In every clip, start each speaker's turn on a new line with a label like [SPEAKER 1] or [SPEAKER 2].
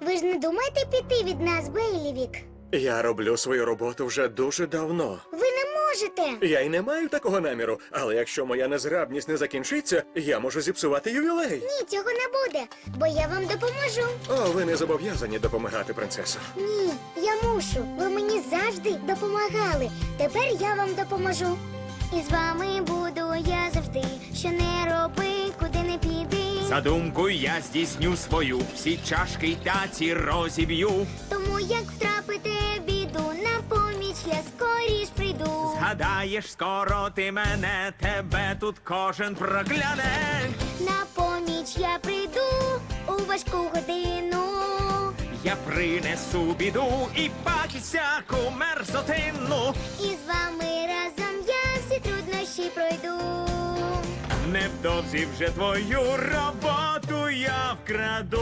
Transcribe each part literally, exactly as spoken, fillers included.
[SPEAKER 1] Ви ж не думаєте піти від нас, Бейлівік?
[SPEAKER 2] Я роблю свою роботу вже дуже давно.
[SPEAKER 1] Ви не можете.
[SPEAKER 2] Я й не маю такого наміру, але якщо моя незграбність не закінчиться, я можу зіпсувати ювілей.
[SPEAKER 1] Ні, цього не буде, бо я вам допоможу.
[SPEAKER 2] О, ви не зобов'язані допомагати, принцесо.
[SPEAKER 1] Ні, я мушу. Ви мені завжди допомагали. Тепер я вам допоможу. І з вами буду я завжди. Що не роби, куди не піди.
[SPEAKER 3] Задумку я здійсню свою, всі чашки й таці розіб'ю.
[SPEAKER 1] Тому як втрапите в біду, на поміч я скоріш прийду.
[SPEAKER 3] Згадаєш скоро ти мене, тебе тут кожен прокляне.
[SPEAKER 1] На поміч я прийду у важку годину.
[SPEAKER 3] Я принесу біду і пакість всяку мерзотину.
[SPEAKER 1] І з вами разом я всі труднощі пройду.
[SPEAKER 3] Невдовзі вже твою роботу я вкраду.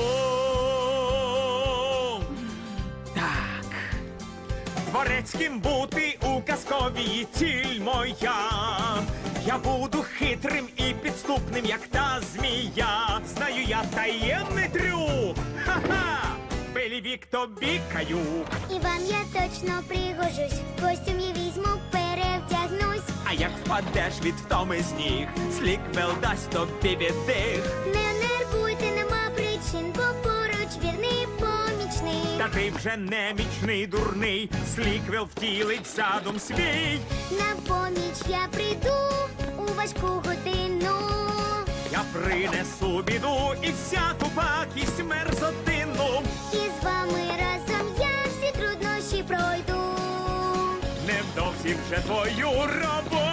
[SPEAKER 3] Так. Дворецьким бути у казковій ціль моя. Я буду хитрим і підступним, як та змія. Знаю я таємний трюк. Ха-ха! Белівік тобі каюк.
[SPEAKER 1] І вам я точно пригожусь. Костюм я візьму, перевдягнусь.
[SPEAKER 3] А як впадеш від втоми з ніг, Сліквел дасть тобі віддих.
[SPEAKER 1] Не нервуйте, нема причин, бо поруч вірний помічник.
[SPEAKER 3] Та ти вже немічний дурний, Сліквел втілить задум свій.
[SPEAKER 1] На поміч я прийду у важку годину.
[SPEAKER 3] Я принесу біду і всяку пакість мерзотину.
[SPEAKER 1] І з вами разом я всі труднощі пройду.
[SPEAKER 3] Невдовзі вже твою роботу